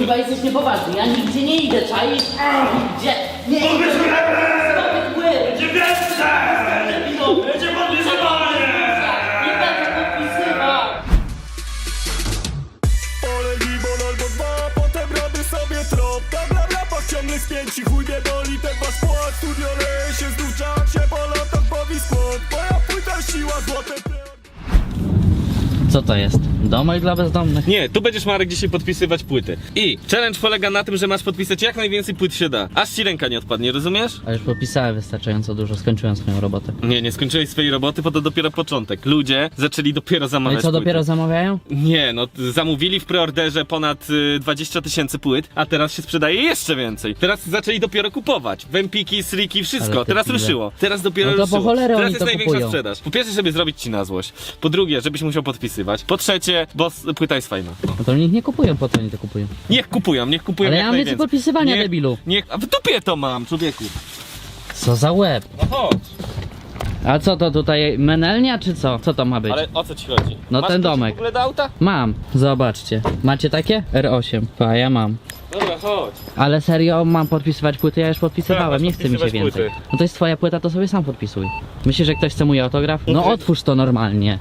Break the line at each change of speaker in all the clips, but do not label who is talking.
Kurwa, jesteś niepoważny, ja nigdzie nie idę, czaisz? Nigdzie nie idę! Zrobię płyt!
Będzie więcej! Będzie podpisywanie!
Nie będę podpisywał!
Olej gibon albo dwa, potem robię sobie trop. Bla bla bla, ciągle spięci, chuj mnie boli ten wasz płat. Studio leje się, znów czak się po latach bawi skład. Moja płyta siła, złote
Co to jest? Domek dla bezdomnych?
Nie, tu będziesz, Marek, dzisiaj podpisywać płyty. I challenge polega na tym, że masz podpisać jak najwięcej płyt się da. Aż ci ręka nie odpadnie, rozumiesz?
A już podpisałem wystarczająco dużo, skończyłem swoją robotę.
Nie skończyłeś swojej roboty, bo to dopiero początek. Ludzie zaczęli dopiero
No
zamawiać
i co,
płyty.
dopiero zamawiają?
Nie, no zamówili w preorderze ponad 20 000 płyt, a teraz się sprzedaje jeszcze więcej. Teraz zaczęli dopiero kupować. Wempiki, sriki, wszystko.
Ale
Teraz
te pile.
ruszyło. Teraz dopiero
No to po
ruszyło.
cholerę
Teraz
oni
jest
to
największa
kupują.
sprzedaż. Po pierwsze, żeby zrobić ci na złość. Po drugie, żebyś musiał podpisywać. Po trzecie, bo płyta jest fajna.
No to niech nie kupują, po co oni to kupują?
Niech kupują
Ale
jak
ja mam więcej
najwięcej.
podpisywania, debilu.
A w dupie to mam, człowieku.
Co za łeb?
No chodź.
A co to tutaj, menelnia czy co? Co to ma być?
Ale o co ci chodzi?
No
Masz
ten
kluczyk
domek.
w ogóle do auta?
Mam, zobaczcie. Macie takie? R8. Pa, ja mam.
Dobra, chodź.
Ale serio, mam podpisywać płyty? Ja już podpisywałem,
Tak,
nie chce mi się
podpisywać
więcej.
płyty.
No to jest twoja płyta, to sobie sam podpisuj. Myślisz, że ktoś chce mój autograf? No otwórz to normalnie.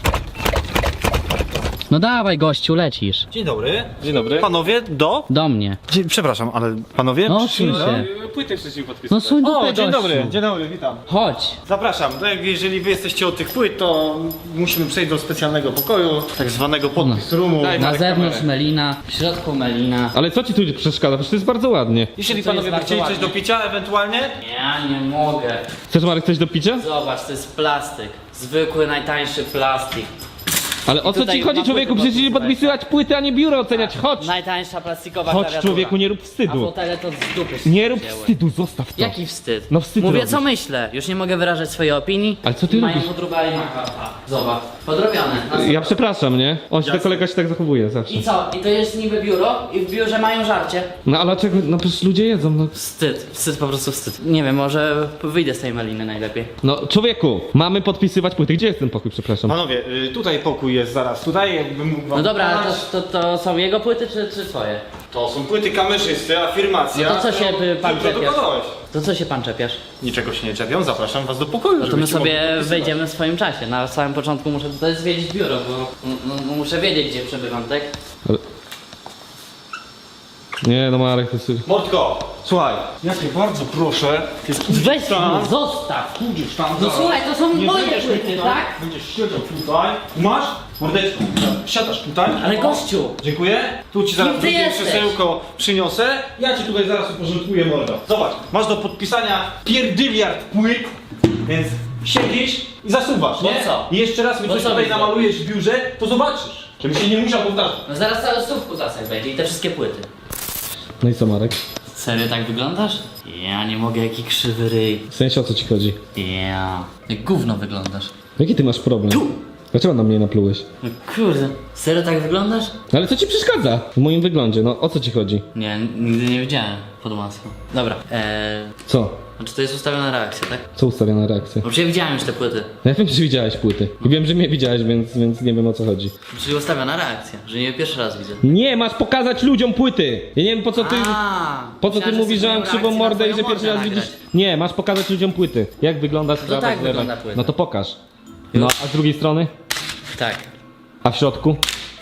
No dawaj gościu, lecisz.
Dzień dobry.
Dzień dobry.
Panowie,
Do mnie.
Przepraszam, ale panowie?
No suń się.
Płyty wcześniej
No
podpisywać.
suń dupę,
O, dzień
gościu.
dobry, dzień dobry, witam.
Chodź.
Zapraszam. Jeżeli wy jesteście od tych płyt, to musimy przejść do specjalnego pokoju, tak zwanego podpis roomu.
Daj,
Na
Marek,
zewnątrz
kamerę.
melina, w środku melina.
Ale co ci tu przeszkadza? Przecież to jest bardzo ładnie.
Jeżeli
To jest
panowie by
bardzo
chcieli coś
ładnie.
do picia ewentualnie,
Ja nie mogę.
Chcesz, Marek, coś do picia?
Zobacz, to jest plastyk. Zwykły, najtańszy plastik.
Ale o co
tutaj
ci chodzi,
na
człowieku?
płyty
Przecież nie
podpisywać.
podpisywać płyty, a nie biuro oceniać. Chodź!
Najtańsza plastikowa
Chodź,
klawiatura.
człowieku, nie rób
A
wstydu.
fotele to z dupy się
Nie rób
wzięły.
wstydu, zostaw to.
Jaki wstyd?
No wstyd
Mówię
robisz.
co myślę, już nie mogę wyrażać swojej opinii.
Ale co ty
Mają
robisz?
podróbali maka. Zobacz, podrobione.
Ja przepraszam, nie? On się, ten kolega się tak zachowuje zawsze.
I co? I to jest niby biuro i w biurze mają żarcie.
No ale czego? No przecież ludzie jedzą, no.
Wstyd, po prostu wstyd. Nie wiem, może wyjdę z tej maliny najlepiej.
No, człowieku, mamy podpisywać płyty. Gdzie jest ten pokój, przepraszam?
panowie, tutaj pokój jest zaraz tutaj, jakbym mógł wam
No dobra, ale
pokazać.
to są jego płyty czy twoje?
To są płyty kamerzysty, afirmacja.
No to co się pan
Ty produkowałeś.
To co się pan czepiasz?
Niczego się nie czepiam, zapraszam was do pokoju,
No to my
żebyście mogli
sobie
podpisywać.
wejdziemy w swoim czasie. Na samym początku muszę tutaj zwiedzić biuro, bo muszę wiedzieć gdzie przebywam, tak?
Nie, no Marek, to jest...
Mordko, słuchaj, ja cię bardzo proszę,
Weź
tam.
mnie, zostaw!
pójdziesz tam
No
zaraz.
słuchaj, to są
Nie
moje
będziesz
płyty,
tutaj,
tak?
Będziesz siedział tutaj, masz? Mordeczko, siadasz tutaj.
Ale
O,
gościu!
Dziękuję. Tu ci zaraz
Kim ty
drugie
jesteś?
krzesełko przyniosę. Ja ci tutaj zaraz uporządkuję mordo. Zobacz, masz do podpisania pierdyliard płyt, więc siedzisz i zasuwasz,
Bo
nie?
co?
I jeszcze raz mi
Bo
coś
co
tutaj
widzę?
namalujesz w biurze, to zobaczysz. Żebym się nie musiał powtarzać.
No zaraz cały stówku zasek będzie i te wszystkie płyty.
No i co, Marek?
Serio tak wyglądasz? Ja nie mogę, jaki krzywy ryj.
W sensie, o co ci chodzi?
Ja. Jak gówno wyglądasz.
Jaki ty masz problem? Dlaczego na mnie naplułeś?
No kurde, serio tak wyglądasz?
Ale co ci przeszkadza w moim wyglądzie? No, o co ci chodzi?
Nie, nigdy nie widziałem pod maską. Dobra,
Co?
znaczy to jest ustawiona reakcja, tak?
Co ustawiona reakcja?
Bo przecież widziałem już te płyty.
Ja wiem, że widziałeś płyty. I wiem, że mnie widziałeś, więc nie wiem, o co chodzi.
Czyli ustawiona reakcja, że nie pierwszy raz widzę.
Nie, masz pokazać ludziom płyty! Ja nie wiem, po co ty... Po co ty
myślałem,
mówisz, że mam
chcesz
krzywą
moją
mordę i
reakcję
że
na
pierwszy
twoją
raz
mordę
widzisz? Nie, masz pokazać ludziom płyty. Jak wygląda sprawa
tak
z
wygląda
lewem.
płyta.
No to pokaż. No, a z drugiej strony?
Tak.
A w środku?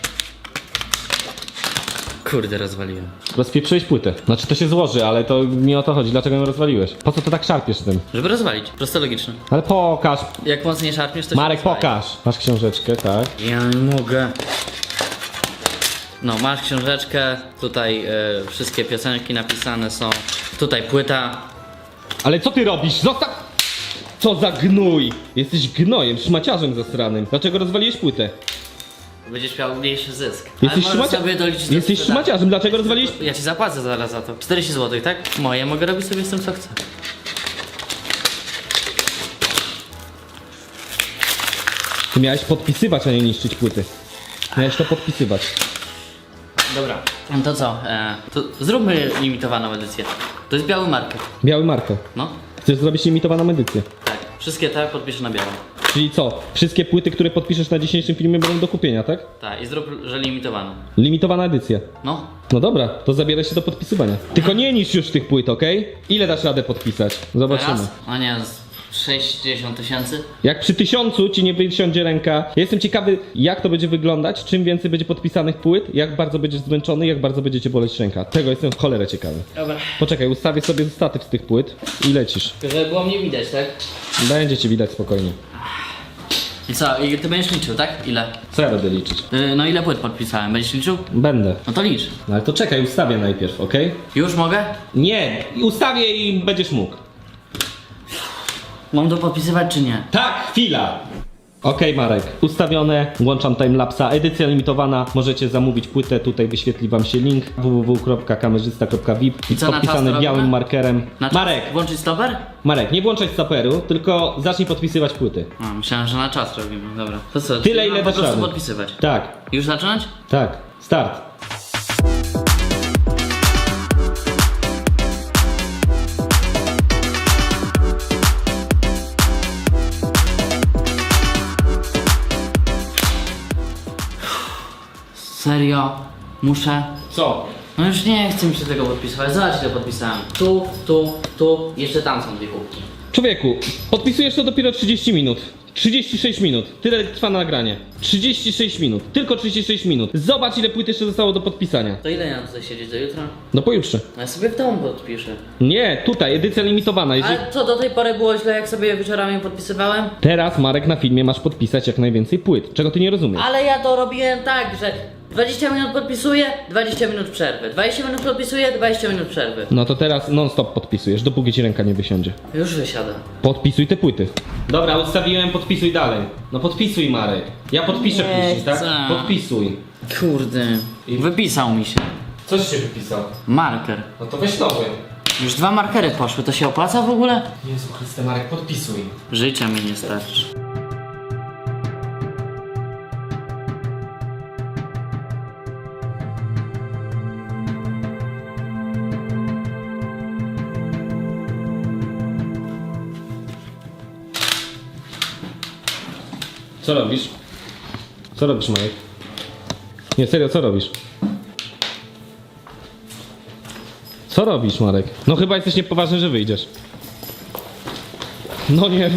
Kurde, rozwaliłem.
Rozpieprzyłeś płytę. Znaczy to się złoży, ale to nie o to chodzi. Dlaczego ją rozwaliłeś? Po co to tak szarpiesz tym?
Żeby rozwalić, prosto logiczne.
Ale pokaż.
Jak mocniej szarpniesz, to
Marek,
się rozwali.
pokaż. Masz książeczkę, tak?
Ja nie mogę. No, masz książeczkę, tutaj wszystkie piosenki napisane są. Tutaj płyta.
Ale co ty robisz? Zostaw! Co za gnój! Jesteś gnojem, szmaciarzem zasranym. Dlaczego rozwaliłeś płytę?
Będziesz miał mniejszy zysk.
Jesteś,
Ale możesz sobie doliczyć do
Jesteś
sprzedaży.
szmaciarzem, dlaczego rozwaliłeś...
Ja ci zapłacę zaraz za to. 40 zł, tak? Moje, mogę robić sobie z tym co chcę.
Ty miałeś podpisywać, a nie niszczyć płyty. Miałeś to podpisywać.
Dobra. No to co? To zróbmy limitowaną edycję. To jest biały marker.
Biały marker.
No.
Chcesz zrobić limitowaną edycję.
Tak. Wszystkie te podpiszę na biało.
Czyli co? Wszystkie płyty, które podpiszesz na dzisiejszym filmie będą do kupienia, tak?
Tak, i zrób, że limitowany.
Limitowana edycja.
No.
No dobra, to zabieraj się do podpisywania. Tylko nie niszcz już tych płyt, okej? Ile dasz radę podpisać? Zobaczymy.
Teraz? A nie, z 60 tysięcy?
Jak przy 1000 ci nie wysiądzie ręka. Ja jestem ciekawy, jak to będzie wyglądać, czym więcej będzie podpisanych płyt, jak bardzo będziesz zmęczony, jak bardzo będzie cię boleć ręka. Tego jestem w cholerę ciekawy.
Dobra.
Poczekaj, ustawię sobie statyw z tych płyt i lecisz.
Żeby było mnie widać, tak?
Będzie cię widać spokojnie.
I co? I ty będziesz liczył, tak? Ile?
Co ja będę liczyć?
No ile płyt podpisałem? Będziesz liczył?
Będę.
No to licz.
No ale to czekaj, ustawię najpierw, okej?
Już mogę?
Nie, ustawię i będziesz mógł.
Mam to podpisywać czy nie?
Tak, chwila! Okej, Marek, ustawione, włączam timelapsa, edycja limitowana, możecie zamówić płytę, tutaj wyświetli wam się link www.kamerzysta.vip
I co, na czas
podpisany
to
białym
robimy?
markerem.
Na czas
Marek,
włączyć stoper?
Marek, nie włączaj stoperu, tylko zacznij podpisywać płyty.
A, myślałem, że na czas robimy. Dobra. To co?
Tyle,
czyli
ile
mam po
dasz
prostu
rady.
podpisywać.
Tak,
Już zacząć?
tak, start.
Serio? Muszę?
Co?
No już nie chcę mi się tego podpisywać. Zobacz ile podpisałem. Tu, jeszcze tam są dwie kubki.
Człowieku, podpisujesz to dopiero 30 minut. 36 minut. Tyle trwa nagranie. 36 minut. Tylko 36 minut. Zobacz, ile płyt jeszcze zostało do podpisania.
To ile ja mam tutaj siedzieć do jutra?
No pojutrze.
No ja sobie w domu podpiszę.
Nie, tutaj, edycja limitowana. Jeżeli...
Ale co do tej pory było źle, jak sobie wieczorami podpisywałem?
Teraz, Marek, na filmie masz podpisać jak najwięcej płyt. Czego ty nie rozumiesz?
Ale ja to robiłem tak, że 20 minut podpisuję, 20 minut przerwy. 20 minut podpisuję, 20 minut przerwy.
No to teraz non-stop podpisujesz, dopóki ci ręka nie wysiądzie.
Już wysiadam.
Podpisuj te płyty. Dobra, ustawiłem, podpisuj dalej. No podpisuj, Marek. Ja podpiszę
Nie
później, tak?
chcę.
Podpisuj.
Kurde. Wypisał mi się.
Coś się wypisał.
Marker.
No to weź nowy.
Już 2 markery poszły, to się opłaca w ogóle?
Jezu Chryste, Marek, podpisuj.
Życia mi nie starczy.
Co robisz? Co robisz, Marek? Nie, serio, co robisz? Co robisz, Marek? No chyba jesteś niepoważny, że wyjdziesz. No nie.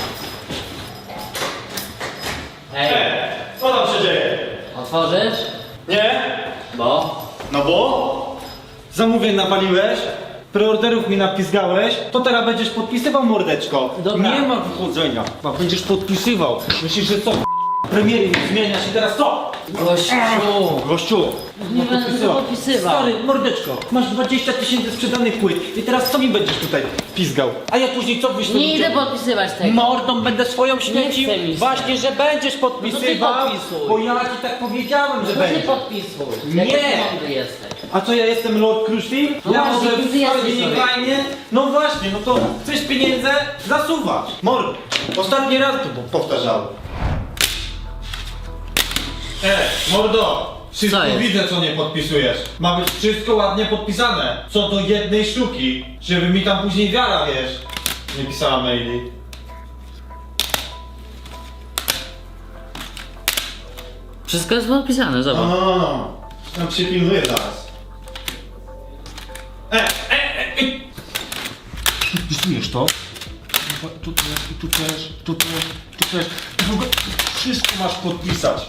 Hej,
Co tam się dzieje?
otworzysz?
Nie?
Bo?
No bo?
Zamówień napaliłeś, preorderów mi napisgałeś, to teraz będziesz podpisywał, mordeczko.
Dobra.
Nie ma wychodzenia. A będziesz podpisywał. Myślisz, że co? Premiery zmienia się teraz co?
Gościu!
Gościu,
Nie będę tego podpisywał.
Stary, mordeczko, masz 20 000 sprzedanych płyt i teraz co mi będziesz tutaj pizgał? A ja później co wyślę?
Nie idę podpisywać tego.
Mordą będę swoją śmiecił.
chce mi się.
Właśnie, że będziesz podpisywał,
podpisuj.
bo ja ci tak powiedziałem, że
To ty
będziesz.
podpisuj.
Nie.
Jak mądry jesteś.
A co, ja jestem Lord Crushfield?
No
Ja
właśnie,
może
ty
w
jesteś
swojej
sobie.
fajnie? No właśnie, no to chcesz pieniędzy? Zasuwasz. Mord. Ostatni raz to powtarzałem. Mordo! Wszystko
Co jest?
widzę, co nie podpisujesz. Ma być wszystko ładnie podpisane. Co do jednej sztuki. Żeby mi tam później wiara, wiesz, nie pisała maili.
Wszystko jest podpisane, zobacz.
No. Tam się pilnuję zaraz. Podpisujesz to? Tu też, i tu też, tu też, tu też. I w ogóle wszystko masz podpisać.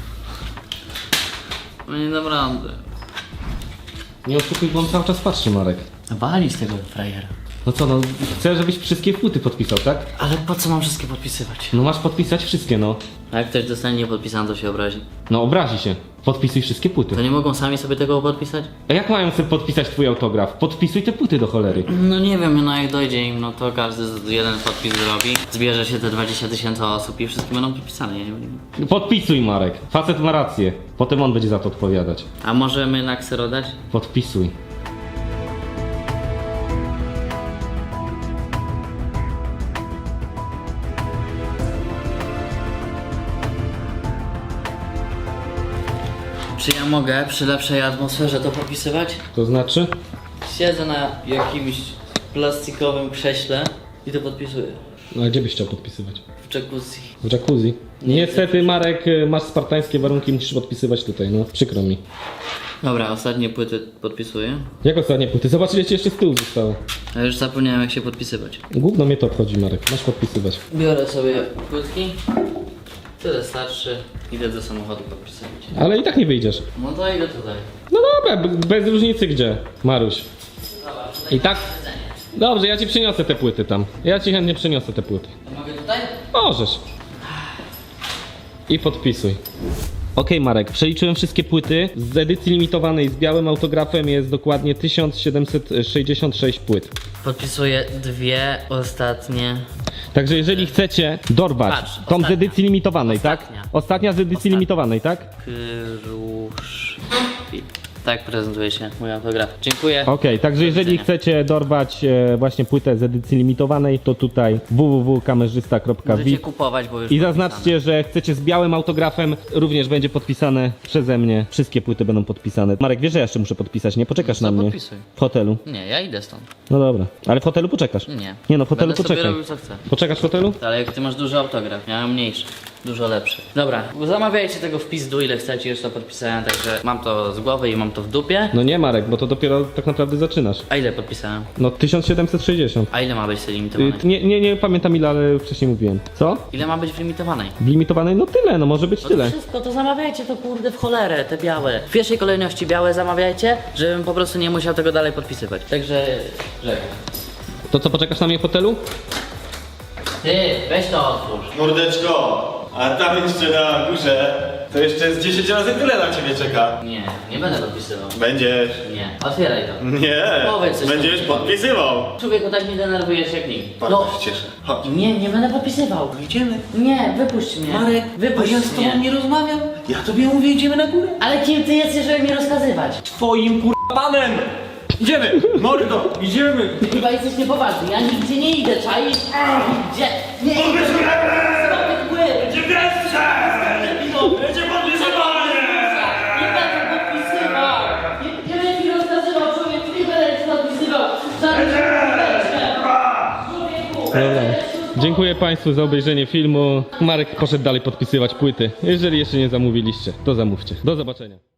No nie dam rady.
Nie oszukuj, bo on cały czas patrzy, Marek.
Walić tego frajera.
No co, no chcę, żebyś wszystkie płyty podpisał, tak?
Ale po co mam wszystkie podpisywać?
No masz podpisać wszystkie, no.
A jak ktoś dostanie niepodpisane, to się obrazi.
No obrazi się. Podpisuj wszystkie płyty.
To nie mogą sami sobie tego podpisać?
A jak mają sobie podpisać twój autograf? Podpisuj te płyty do cholery.
No nie wiem, no jak dojdzie im, no to każdy jeden podpis zrobi. Zbierze się te 20 000 osób i wszystkie będą podpisane, ja nie wiem.
Podpisuj, Marek. Facet ma rację. Potem on będzie za to odpowiadać.
A możemy na ksero dać?
Podpisuj.
Czy ja mogę przy lepszej atmosferze to podpisywać?
To znaczy?
Siedzę na jakimś plastikowym krześle i to podpisuję.
No a gdzie byś chciał podpisywać?
W jacuzzi.
W jacuzzi. Niestety Marek, masz spartańskie warunki, musisz podpisywać tutaj, no przykro mi.
Dobra, ostatnie płyty podpisuję.
Jak ostatnie płyty? Zobacz ile ci jeszcze z tyłu zostało.
A już zapomniałem jak się podpisywać.
Gówno mnie to obchodzi Marek, masz podpisywać.
Biorę sobie płytki. Tyle starszy. Idę do samochodu podpisywać.
Ale i tak nie wyjdziesz.
No to idę tutaj.
No dobra, bez różnicy gdzie, Maruś. I tak? Dobrze, ja ci przyniosę te płyty tam. Ja ci chętnie przyniosę te płyty.
To mogę tutaj?
Możesz. I podpisuj. Okej, Marek, przeliczyłem wszystkie płyty. Z edycji limitowanej z białym autografem jest dokładnie 1766 płyt.
Podpisuję dwie ostatnie.
Także jeżeli chcecie dorwać
Patrz,
tą z
ostatnia.
edycji limitowanej,
Ostatnia.
tak? Ostatnia z edycji
Ostatnia.
limitowanej, tak?
Kruszwil. Tak prezentuje się mój autograf. Dziękuję.
Okej, także jeżeli
widzenia.
chcecie dorwać właśnie płytę z edycji limitowanej, to tutaj
Możecie
www.kamerzysta.vip
kupować, bo już
i
podpisane.
zaznaczcie, że chcecie z białym autografem, również będzie podpisane przeze mnie. Wszystkie płyty będą podpisane. Marek, wiesz, że ja jeszcze muszę podpisać, nie? Poczekasz
No to
na mnie.
podpisuj.
W hotelu.
Nie, ja idę stąd.
No dobra, ale w hotelu poczekasz.
Nie.
Nie no, w hotelu
Będę sobie
poczekaj.
robił co chcę.
Poczekasz w hotelu?
Ale jak ty masz duży autograf, ja mam mniejszy. Dużo lepszy. Dobra, zamawiajcie tego w pizdu ile chcecie, już to podpisałem, także mam to z głowy i mam to w dupie.
No nie Marek, bo to dopiero tak naprawdę zaczynasz.
A ile podpisałem?
No 1760.
A ile ma być tej limitowanej?
Nie pamiętam ile, ale wcześniej mówiłem. Co?
Ile ma być w limitowanej?
W limitowanej? No tyle, no może być
No to
tyle.
wszystko, to zamawiajcie to kurde w cholerę, te białe. W pierwszej kolejności białe zamawiajcie, żebym po prostu nie musiał tego dalej podpisywać. Także żegnam.
To co, poczekasz na mnie w hotelu?
Ty, weź to otwórz.
Mordeczko, a tam jeszcze na górze to jeszcze jest 10 razy tyle na ciebie czeka.
Nie, nie będę podpisywał.
Będziesz.
Nie, otwieraj to.
Nie,
Powiedz coś
będziesz
takiego.
podpisywał.
Człowieku, tak mnie denerwujesz jak nikt.
Bardzo się cieszę. Chodź.
Nie będę podpisywał.
Idziemy.
Nie, wypuść mnie.
Marek,
wypuść
a ja z tobą
mnie.
nie rozmawiam. Ja tobie mówię, idziemy na górę.
Ale kim ty jesteś, żeby mi rozkazywać?
Twoim panem. Idziemy, mordo, idziemy.
Chyba jesteś niepoważny, ja nigdzie nie idę, czaisz? Gdzie? Nie idę! Zrobię mgły!
Będzie wreszcie! Będzie podpisywanie!
Nie będę podpisywał! Nie będę mi rozkazywał, człowieku, nie będę ci podpisywał! Żadnych człowieku!
Dobra. Dziękuję Państwu za obejrzenie filmu. Marek poszedł dalej podpisywać płyty. Jeżeli jeszcze nie zamówiliście, to zamówcie. Do zobaczenia.